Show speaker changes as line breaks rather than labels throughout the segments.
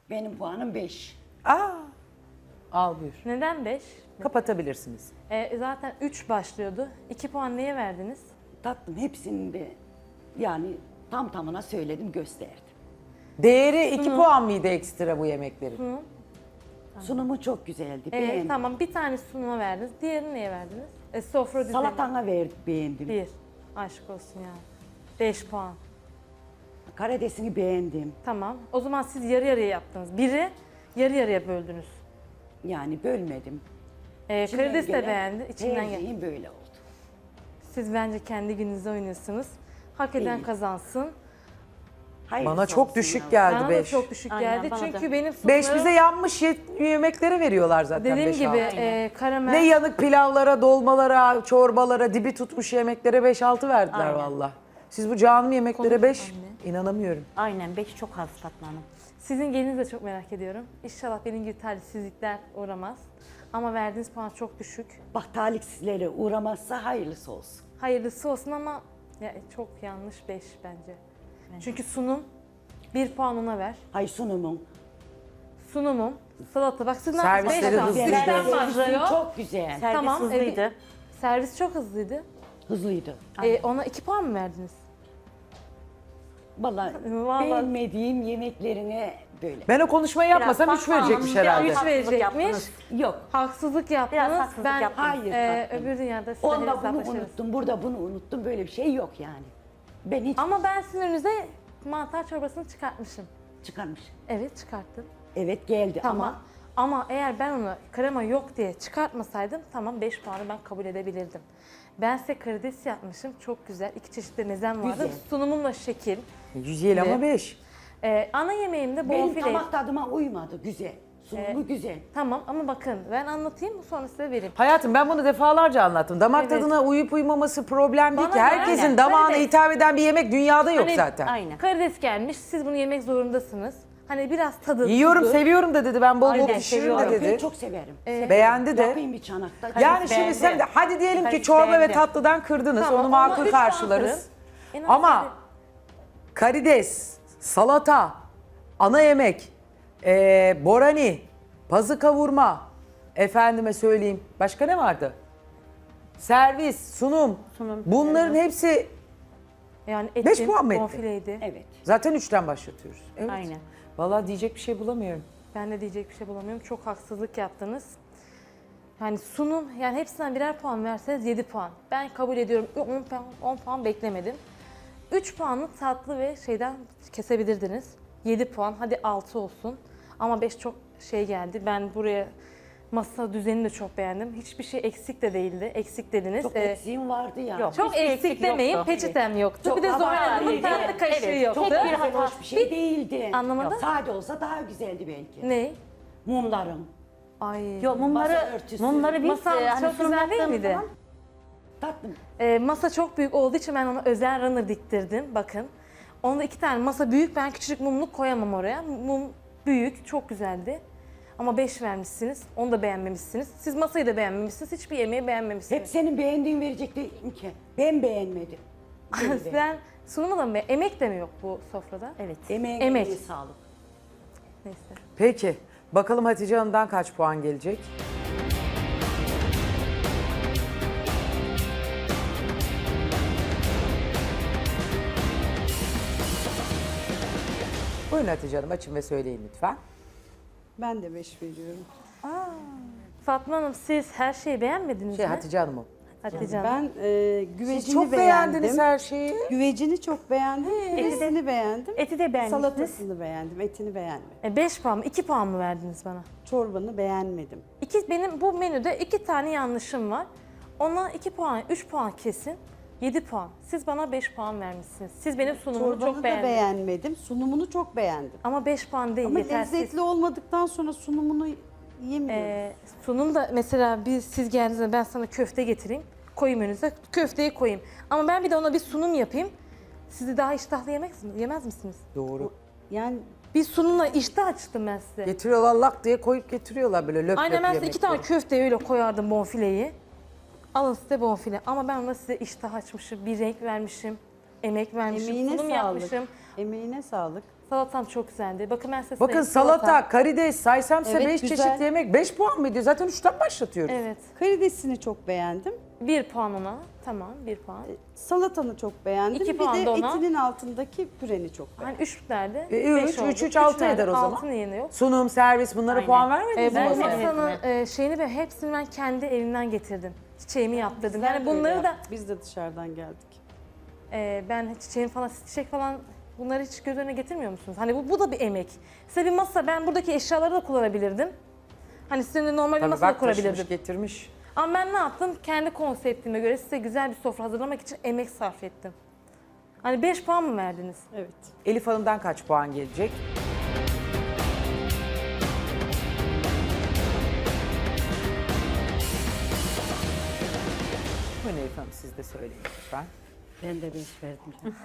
Benim puanım 5.
Aa, al buyur.
Neden 5?
Kapatabilirsiniz.
Zaten 3 başlıyordu. 2 puan neye verdiniz?
Tatlım hepsini de yani tam tamına söyledim, gösterdim.
Değeri 2 puan mıydı ekstra bu yemeklerin?
Sunumu çok güzeldi, beğendim.
Tamam, bir tane sunuma verdiniz. Diğerini neye verdiniz? Sofra düzeni.
Salatana verdik, beğendim.
1. Aşk olsun ya. 5 puan.
Karidesini beğendim.
Tamam. O zaman siz yarı yarıya yaptınız. Biri yarı yarıya böldünüz.
Yani bölmedim.
Karides de
gelen
beğendi. İçinden gel.
tercihim böyle oldu.
Siz bence kendi gününüzde oynuyorsunuz. Hak eden
İyi.
kazansın.
Hayırlısı
Bana çok
olsun
düşük
ya.
geldi
Bana da
5.
çok düşük
Aynen,
geldi.
bana da.
Çünkü benim
5
sunumlarım,
bize yanmış yemeklere veriyorlar zaten
dediğim
5
gibi
Aynen.
karamel.
Ne yanık pilavlara, dolmalara, çorbalara, dibi tutmuş yemeklere 5-6 verdiler
Aynen.
valla. Siz bu canım yemeklere
Konuş
5,
anne.
inanamıyorum.
Aynen 5 çok az Fatma Hanım.
Sizin gelinizi de çok merak ediyorum. İnşallah benim gibi talihsizlikler uğramaz. Ama verdiğiniz puan çok düşük.
Bak talihsizlere uğramazsa hayırlısı olsun.
Hayırlısı olsun ama ya, çok yanlış 5 bence. Çünkü sunum 1 puan ona ver.
Hay sunumun.
Sunumum, salata. Bak sizden
Servisleri
5
hızlı.
Sizden
Servisin
başlıyor.
çok güzel.
Servis
Tamam,
hızlıydı.
Servis çok hızlıydı.
Hızlıydı.
Ona 2 puan mı verdiniz?
Vallahi
Vallahi-
beğenmediğim yemeklerine böyle.
Ben o konuşmayı yapmasam
Biraz
3 verecekmiş
Fatma Hanım,
herhalde.
biraz
3 verecekmiş.
yaptınız.
Yok.
Haksızlık yaptınız.
Biraz haksızlık
ben
yaptınız.
Hayır, tatlım.
öbür dünyada size
Onda bunu
hesaplaşırız.
unuttum, burada bunu unuttum. Böyle bir şey yok yani. Ben hiç
Ama ben sizin önünüze mantar çorbasını çıkartmışım.
çıkarmış.
Evet, çıkarttım.
Evet geldi
Tamam.
ama
Ama eğer ben onu krema yok diye çıkartmasaydım tamam 5 puanı ben kabul edebilirdim. Ben size karides yapmışım. Çok güzel. 2 çeşit de mezem vardı.
Güzel.
Sunumum da şekil.
Yüzeyel ama
Evet.
5.
Ana yemeğimde
benim
bonfile.
damak tadıma uymadı. Güzel. Sunumu güzel.
Tamam ama bakın ben anlatayım sonra size vereyim.
Hayatım ben bunu defalarca anlattım. Damak
Evet.
tadına uyup uymaması problem değil
Bana
ki.
da
Herkesin
aynen.
damağına
Karides.
hitap eden bir yemek dünyada yok
Hani-
zaten.
Aynen.
Karides gelmiş. Siz bunu yemek zorundasınız. Hani biraz tadı.
Yiyorum,
tuzu.
seviyorum da dedi. Ben bol bol
Aynen,
pişiririm de
seviyorum.
dedi.
Ben çok severim.
Beğendi de.
Yapayım bir çanakta.
Yani şimdi
beğendi.
sen de hadi diyelim ki
Karides
çorba ve
beğendi.
tatlıdan kırdınız.
Tamam,
Onu
ona
makul
üç puan
karşılarız.
kırın. En az
Ama
yedi.
karides, salata, ana yemek, borani, pazı kavurma, efendime söyleyeyim. Başka ne vardı? Servis, sunum. Bunların hepsi
Yani
5
etim,
puan mı etti?
bonfileydi.
Evet.
zaten 3'ten başlatıyoruz. Evet.
Aynen.
Vallahi diyecek bir şey bulamıyorum.
Ben de diyecek bir şey bulamıyorum. Çok haksızlık yaptınız. Yani sunum, yani hepsinden birer puan verseniz 7 puan. Ben kabul ediyorum. 10 puan beklemedim. 3 puanı tatlı ve şeyden kesebilirdiniz. 7 puan, hadi 6 olsun. Ama 5 çok şey geldi. Ben buraya masa düzenini de çok beğendim. Hiçbir şey eksik de değildi. Eksik dediniz.
Çok eksiğim vardı ya.
Yok.
Çok
Hiçbir
eksik
eksik
demeyin.
yoktu.
Peçetem yoktu.
Çok
bir de Zuhal Hanım'ın
abartıydı.
tatlı kaşığı
Evet,
yoktu.
çok
Çok
bir
da
hata.
hoş bir şey değildi.
Anlamadım.
Sade olsa daha güzeldi belki.
Ne?
Mumlarım.
Ay.
Yok
Masa
mumları,
örtüsü.
mumları biz
Masam çok
sunum
güzel değil
yaptığımız
miydi?
zaman
Tatlım.
Masa çok büyük olduğu için ben ona özel runner diktirdim. Bakın. Onda 2 tane masa büyük. Ben küçücük mumluk koyamam oraya. Mum büyük. Çok güzeldi. Ama 5 vermişsiniz. Onu da beğenmemişsiniz. Siz masayı da beğenmemişsiniz. Hiçbir yemeği beğenmemişsiniz.
Hep senin beğendiğin verecek değilim ki. Ben beğenmedim.
Sen sunumu da mı? Emek de mi yok bu sofrada?
evet.
Emeğine
Emek.
sağlık.
Neyse.
Peki. Bakalım Hatice Hanım'dan kaç puan gelecek? Buyurun Hatice Hanım açın ve söyleyin lütfen.
Ben de 5 veriyorum.
Fatma Hanım siz her şeyi beğenmediniz mi?
Hatice Hanım'ın.
Hatice Hanım.
Ben güvecini
Siz çok
beğendim.
beğendiniz her şeyi.
Güvecini çok beğendim. Piresini beğendim.
Eti de beğendiniz.
Salatasını beğendim. Etini beğenmedim.
5 puan mı? 2 puan mı verdiniz bana?
Çorbanı beğenmedim.
Benim bu menüde 2 tane yanlışım var. Ona 2 puan, 3 puan kesin. 7 puan. Siz bana 5 puan vermişsiniz. Siz benim sunumumu
Çorbanı
çok
da
beğendiniz.
beğenmedim. Sunumunu çok beğendim.
Ama 5 puan değil,
Ama
yetersiz.
lezzetli olmadıktan sonra sunumunu yemiyorum.
Sunum da mesela siz geldiğinizde ben sana köfte getireyim. Koyayım önünüze, köfteyi koyayım. Ama ben bir de ona bir sunum yapayım. Sizi daha iştahlı yemez misiniz?
Doğru.
Yani
Bir sunumla iştah açtım ben size.
Getiriyorlar lak diye koyup getiriyorlar böyle löp
Aynen
löp
ben size 2 tane
yemekleri.
köfteyi öyle koyardım bonfileyi. Alın size bonfile. Ama ben ona size iştah açmışım, bir renk vermişim, emek vermişim,
emeğine
sunum
sağlık.
yapmışım.
Emeğine sağlık.
Salatam çok güzeldi. Bakın ben size
Bakın
sayayım.
salata, karides saysam size
Evet,
5
güzel.
çeşit yemek 5 puan mı ediyor? Zaten 3'ten başlatıyoruz.
Evet.
Karidesini çok beğendim.
1 puan ona. Tamam 1 puan.
Salatanı çok beğendim.
2
Bir
puan
de
da ona.
etinin altındaki püreni çok beğendim.
Hani 3 derdi.
3, 6 eder o zaman.
Altının yerine yok.
Sunum, servis bunlara
Aynen.
puan vermediniz mi?
Bu
Evet,
masaya?
masanın şeyini ve hepsini ben kendi evimden getirdim. Çiçeğimi yaptırdım.
Bizler
Yani
de öyle
bunları da
yaptık. Biz de dışarıdan geldik.
ben çiçeğim falan, çiçek falan bunları hiç göz önüne getirmiyor musunuz? Hani bu da bir emek. Size bir masa, ben buradaki eşyaları da kullanabilirdim. Hani sizin de normal bir
Tabii
masa da
bak taşımış
kurabilirdim.
getirmiş.
Ama ben ne yaptım? Kendi konseptime göre size güzel bir sofra hazırlamak için emek sarf ettim. Hani 5 puan mı verdiniz?
Evet.
Elif Hanım'dan kaç puan gelecek? Buyurun Elif Hanım siz de söyleyin lütfen.
Ben de 5 verdim.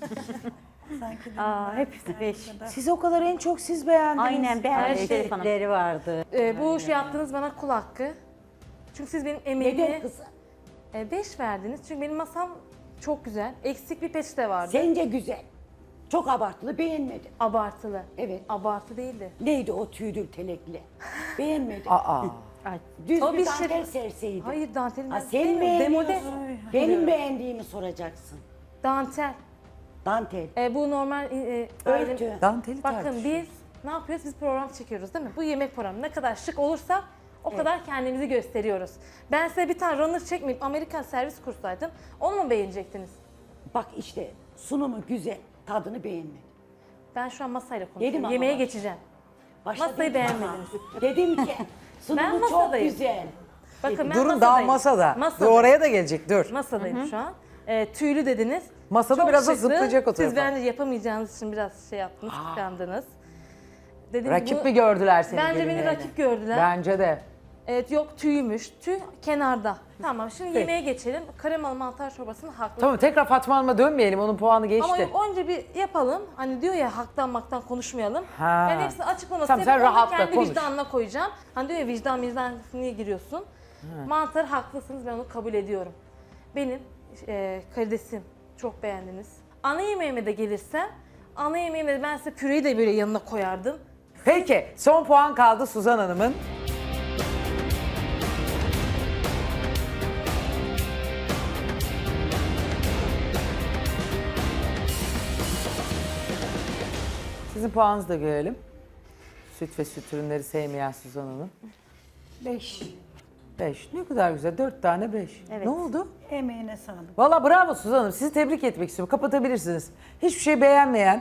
Aa, hepsi 5.
Siz o kadar en çok siz beğendiniz.
Aynen beğendim Elif Hanım.
vardı.
Bu şey yaptığınız bana kul hakkı. Çünkü siz benim emeğimi
Neden kızım?
5 verdiniz. Çünkü benim masam çok güzel. Eksik bir peçete vardı.
Sence güzel. Çok abartılı beğenmedim.
Abartılı.
Evet.
Abartı değildi.
Neydi o tüydür telekli? Beğenmedim.
Aa.
Ay,
Düz
O
bir
bir
dantel
şey-
serseydi.
Hayır dantelin
Ha,
ben
sen
sevmiyorum. Demode.
beğeniyorsun. Benim beğendiğimi soracaksın.
Dantel.
Dantel.
Bu normal
Örtü.
Danteli
Bakın
tartışıyoruz.
biz ne yapıyoruz? Biz program çekiyoruz değil mi? Bu yemek programı ne kadar şık olursa o kadar kendimizi gösteriyoruz. Ben size bir tane runner çekmeyip Amerikan servis kursaydım onu mu beğenecektiniz?
Bak işte sunumu güzel. Tadını beğenmedim.
Ben şu an masayla
Yedim
konuşuyorum.
ama
Yemeğe
bak.
geçeceğim.
Başta
Masayı
dedim
beğenmediniz.
ama. Dedim ki sunumu çok
masadayım.
güzel.
Bakın ben
Durun daha
masadayım.
masada. Dur
Masadayım.
oraya da gelecek dur.
Masadayım şu an. Tüylü dediniz.
Masada
Çok
biraz da
şıktı.
zıplayacak o
Siz
tarafa.
bence yapamayacağınız için biraz şey yaptınız, kıskandınız. Dedim
Rakip
bu-
mi gördüler seni?
Bence beni
gelinlerine?
rakip gördüler.
Bence de.
Evet yok tüymüş. Tüy kenarda. Tamam şimdi
Peki.
yemeğe geçelim. Kremalı mantar çorbasını haklı.
Tamam tekrar Fatma Hanım'a dönmeyelim. Onun puanı geçti.
Ama yok önce bir yapalım. Hani diyor ya haktan maktan konuşmayalım.
Ha.
Ben hepsini açıklaması
Tamam, sen
yapıp onu
rahatla,
kendi
konuş.
vicdanına koyacağım. Hani diyor ya vicdan niye giriyorsun? Mantar haklısınız, ben onu kabul ediyorum. Benim karidesim çok beğendiniz. Ana yemeğime de gelirsem, ana yemeğime de ben size püreyi de böyle yanına koyardım.
Peki son puan kaldı Suzan Hanım'ın. Sizin puanınızı da görelim. Süt ve süt ürünleri sevmeyen Suzan Hanım.
5.
5. Ne kadar güzel. 4 tane 5.
Evet.
Ne oldu?
Emeğine sağlık.
Valla bravo Suzan Hanım. Sizi tebrik etmek istiyorum. Kapatabilirsiniz. Hiçbir şey beğenmeyen,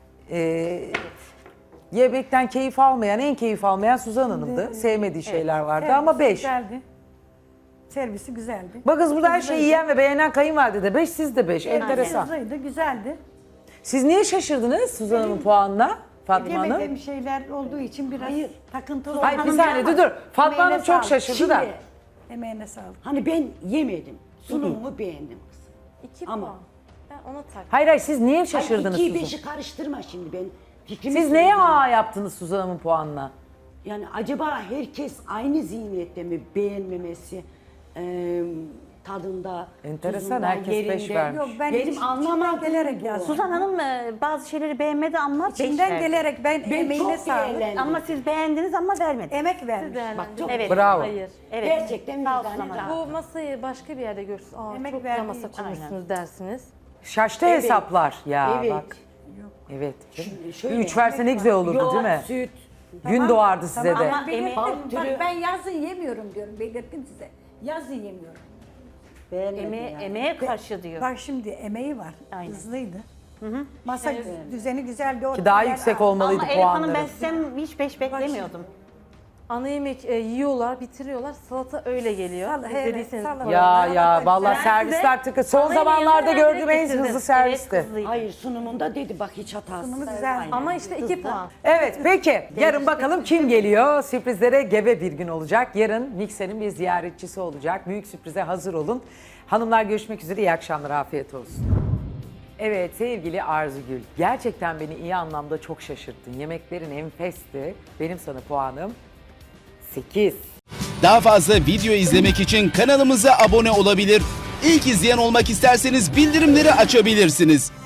yemekten keyif almayan, en keyif almayan Suzan Hanım'dı. Sevmediği şeyler vardı ama 5.
Güzeldi. Servisi güzeldi.
Bakın burada her şeyi yiyen ve beğenen kayınvalide de 5, siz de 5. Enteresan.
Hızlıydı, güzeldi.
Siz niye şaşırdınız Suzan Hanım'ın puanına Fatma Hanım?
Yemediğim şeyler olduğu için biraz takıntılı
Hayır bir
oldum.
saniye dur. Fatma
Emeğine
Hanım çok
sağlık.
şaşırdı da.
Şimdi
Emeğine sağlık.
hani ben yemedim. Sunumumu beğendim kızım.
2
Ama-
puan. Ben ona tak.
Hayır siz niye
Hayır,
şaşırdınız
2'yi
Suzan?
5'i karıştırma şimdi ben. Fikrimi
Siz neye
söylüyorum.
yaptınız Suzan Hanım'ın puanına?
Yani acaba herkes aynı zihniyette mi beğenmemesi tadında,
Enteresan,
tuzunda,
herkes beş
yerinde?
vermiş.
Yok ben
Benim
içimden
anlamadığım
gelerek
bu.
yazdım.
Suzan Hanım bazı şeyleri beğenmedi ama 5
İçimden
verdi.
gelerek ben
Ben
emeğine
çok
sağlık.
beğendim.
Ama siz beğendiniz ama vermedi.
Emek vermiş.
Bak çok
Evet.
Bravo.
Hayır.
Evet.
gerçekten
Sağ olsun
vicdanı
ama.
rahat.
Bu masayı başka bir yerde görürsünüz.
Emek
Çok
verdiği
güzel masa
için.
kurmuşsunuz dersiniz.
Şaştı
Evet.
hesaplar. Ya
Evet.
bak. Evet.
Şöyle-
3 verse ne güzel olurdu
Yoğurt,
değil mi?
süt.
Gün doğardı size de.
Ama emek
Bal
Bak
türü
ben yazın yemiyorum diyorum. Belirttim size. Yazın yemiyorum.
emeğe karşı diyor.
Bak şimdi emeği var.
Aynen.
Hızlıydı. Masa düzeni güzeldi.
Ki daha
ortalar
yüksek
ağır.
olmalıydı
Ama Elif Hanım
puanları.
ben sizden hiç 5 beklemiyordum.
Ana yemek yiyorlar, bitiriyorlar. Salata öyle geliyor.
Salata,
Siz
evet,
dediyseniz
salata.
programda.
Ya vallahi
Ben
servisler
size
tıkı. Son
ana yemeği
zamanlarda
yanına
gördüğüm
direkt
en
getirdim.
hızlı servisti.
Evet, hızlıydı.
Hayır sunumunda dedi bak hiç hatası.
Sunumu güzel.
Ama işte 2 puan.
Evet peki yarın bakalım kim geliyor? Sürprizlere gebe bir gün olacak. Yarın Mikser'in bir ziyaretçisi olacak. Büyük sürprize hazır olun. Hanımlar görüşmek üzere. İyi akşamlar. Afiyet olsun. Evet sevgili Arzugül. Gerçekten beni iyi anlamda çok şaşırttın. Yemeklerin enfesti. Benim sana puanım 8.
Daha fazla video izlemek için kanalımıza abone olabilir. İlk izleyen olmak isterseniz bildirimleri açabilirsiniz.